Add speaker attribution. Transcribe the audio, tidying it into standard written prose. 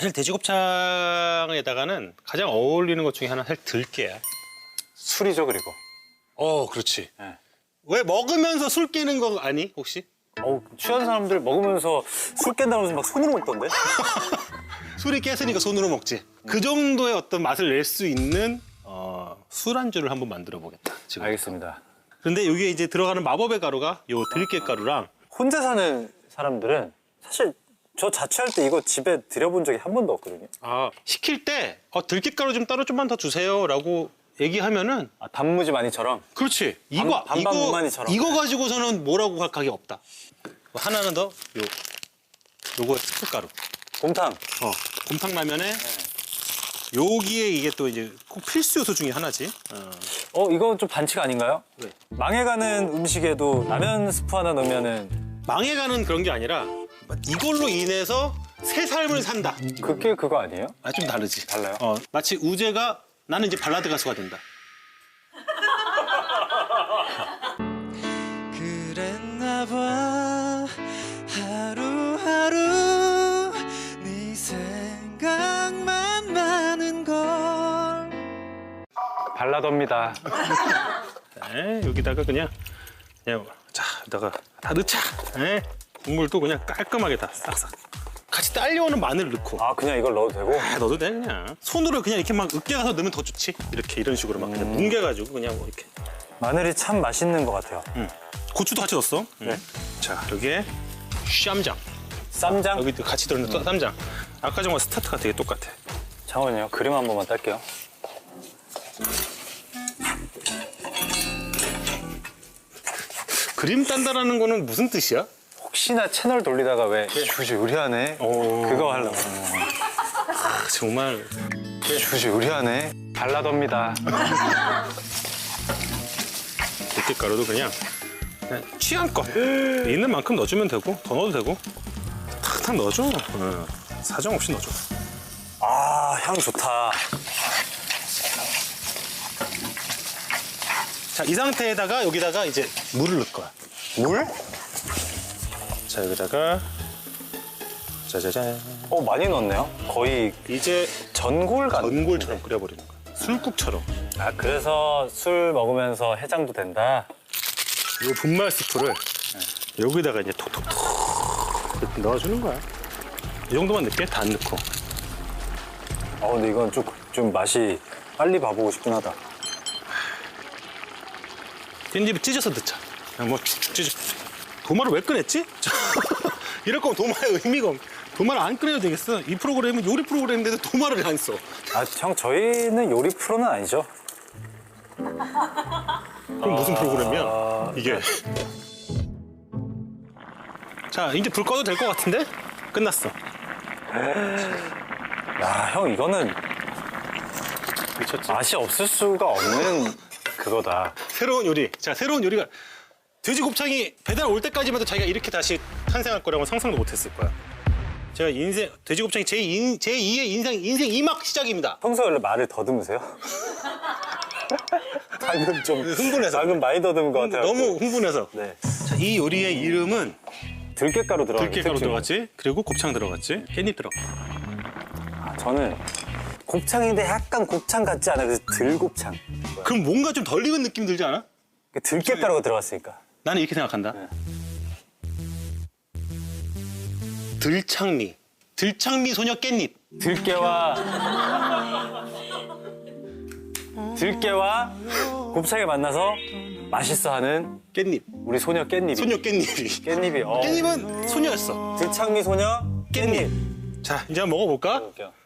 Speaker 1: 사실 돼지곱창에다가는 가장 어울리는 것 중에 하나 사실 들깨야.
Speaker 2: 술이죠, 그리고.
Speaker 1: 그렇지.
Speaker 2: 네.
Speaker 1: 왜 먹으면서 술 깨는 거 아니 혹시?
Speaker 2: 취한 사람들 먹으면서 술 깬다고 해서 막 손으로 먹던데?
Speaker 1: 술이 깼으니까 손으로 먹지. 그 정도의 어떤 맛을 낼 수 있는 술안주를 한번 만들어 보겠다. 지금.
Speaker 2: 알겠습니다.
Speaker 1: 근데 여기에 이제 들어가는 마법의 가루가 요 들깨가루랑
Speaker 2: 혼자 사는 사람들은 사실 저 자취할 때 이거 집에 들여본 적이 한 번도 없거든요.
Speaker 1: 시킬 때 들깨가루 좀 따로 좀만 더 주세요라고 얘기하면은
Speaker 2: 단무지 많이처럼.
Speaker 1: 그렇지.
Speaker 2: 반반 무만이처럼.
Speaker 1: 이거 가지고서는 뭐라고 할 각이 없다. 하나는 더 요거 스프가루.
Speaker 2: 곰탕.
Speaker 1: 곰탕 라면에 여기에 이게 또 이제 꼭 필수 요소 중에 하나지.
Speaker 2: 이건 좀 반칙 아닌가요?
Speaker 1: 왜?
Speaker 2: 망해가는 음식에도 라면 스프 하나 넣으면은
Speaker 1: 망해가는 그런 게 아니라 이걸로 인해서 새 삶을 산다.
Speaker 2: 그게 그거 아니에요?
Speaker 1: 좀 다르지.
Speaker 2: 달라요?
Speaker 1: 마치 우재가 나는 이제 발라드 가수가 된다.
Speaker 3: 그랬나 봐 하루하루 네 생각만 나는 걸.
Speaker 2: 발라더입니다.
Speaker 1: 여기다가 그냥 자, 여기다가 다 넣자. 국물도 그냥 깔끔하게 다 싹싹. 같이 딸려오는 마늘 넣고.
Speaker 2: 그냥 이걸 넣어도 되고?
Speaker 1: 넣어도 돼 그냥. 손으로 그냥 이렇게 막 으깨 가서 넣으면 더 좋지. 이런 식으로 막 그냥 뭉개가지고 그냥 뭐 이렇게.
Speaker 2: 마늘이 참 맛있는 것 같아요.
Speaker 1: 고추도 같이 넣었어.
Speaker 2: 네.
Speaker 1: 자, 여기에 쌈장.
Speaker 2: 쌈장?
Speaker 1: 여기도 같이 들어있는 쌈장. 아까 전과 스타트가 되게 똑같아.
Speaker 2: 잠깐만요. 그림 한 번만 딸게요.
Speaker 1: 그림 딴다라는 거는 무슨 뜻이야?
Speaker 2: 혹시나 채널 돌리다가 왜 주지 의리하네 그거 하려고.
Speaker 1: 정말
Speaker 2: 주지 의리하네. 발라더입니다.
Speaker 1: 들깨가루도 그냥 취향껏 있는 만큼 넣어주면 되고 더 넣어도 되고 탁탁 넣어줘. 사정 없이 넣어줘.
Speaker 2: 향 좋다.
Speaker 1: 자, 이 상태에다가 여기다가 이제 물을 넣을 거야.
Speaker 2: 물?
Speaker 1: 자, 여기다가 짜자잔.
Speaker 2: 많이 넣었네요. 거의
Speaker 1: 이제
Speaker 2: 전골 같은.
Speaker 1: 전골처럼 끓여버리는 거야. 술국처럼.
Speaker 2: 그래서 술 먹으면서 해장도 된다.
Speaker 1: 이 분말 스프를 여기다가 이제 톡톡톡 이렇게 넣어주는 거야. 이 정도만 넣게 다 안 넣고.
Speaker 2: 근데 이건 좀 맛이 빨리 봐보고 싶긴 하다.
Speaker 1: 깻잎을 찢어서 넣자. 그냥 뭐 쭉쭉 찢어. 도마를 왜 꺼냈지? 이럴 거면 도마의 의미가 없. 도마를 안 꺼내도 되겠어. 이 프로그램은 요리 프로그램인데도 도마를 안 써.
Speaker 2: 형, 저희는 요리 프로는 아니죠?
Speaker 1: 그럼 무슨 프로그램이야? 이게. 자, 이제 불 꺼도 될 것 같은데? 끝났어.
Speaker 2: 형, 이거는
Speaker 1: 미쳤지?
Speaker 2: 맛이 없을 수가 없는 그거다.
Speaker 1: 새로운 요리. 자, 새로운 요리가 돼지 곱창이 배달 올 때까지만 해도 자기가 이렇게 다시 탄생할 거라고 상상도 못했을 거야. 제가 돼지 곱창이 제2의 인생 2막 시작입니다.
Speaker 2: 평소에 원래 말을 더듬으세요? 방금 좀
Speaker 1: 흥분해서.
Speaker 2: 방금 많이 더듬은 것 같아요.
Speaker 1: 너무 흥분해서.
Speaker 2: 네.
Speaker 1: 자, 이 요리의 이름은
Speaker 2: 들깨가루 들어갔죠.
Speaker 1: 들깨가루 들어갔지, 그리고 곱창 들어갔지, 깻잎 들어갔지.
Speaker 2: 저는 곱창인데 약간 곱창 같지 않아요. 그래서 들곱창.
Speaker 1: 그럼 뭔가 좀 덜 익은 느낌 들지 않아?
Speaker 2: 들깨가루가 들어갔으니까.
Speaker 1: 나는 이렇게 생각한다. 들창미 소녀 깻잎.
Speaker 2: 들깨와 곱창이 만나서 맛있어하는
Speaker 1: 깻잎.
Speaker 2: 우리 소녀 깻잎이.
Speaker 1: 소녀 깻잎이.
Speaker 2: 깻잎이.
Speaker 1: 깻잎은 소녀였어.
Speaker 2: 들창미 소녀
Speaker 1: 깻잎. 자, 이제 한번 먹어볼까?
Speaker 2: 먹어볼게요.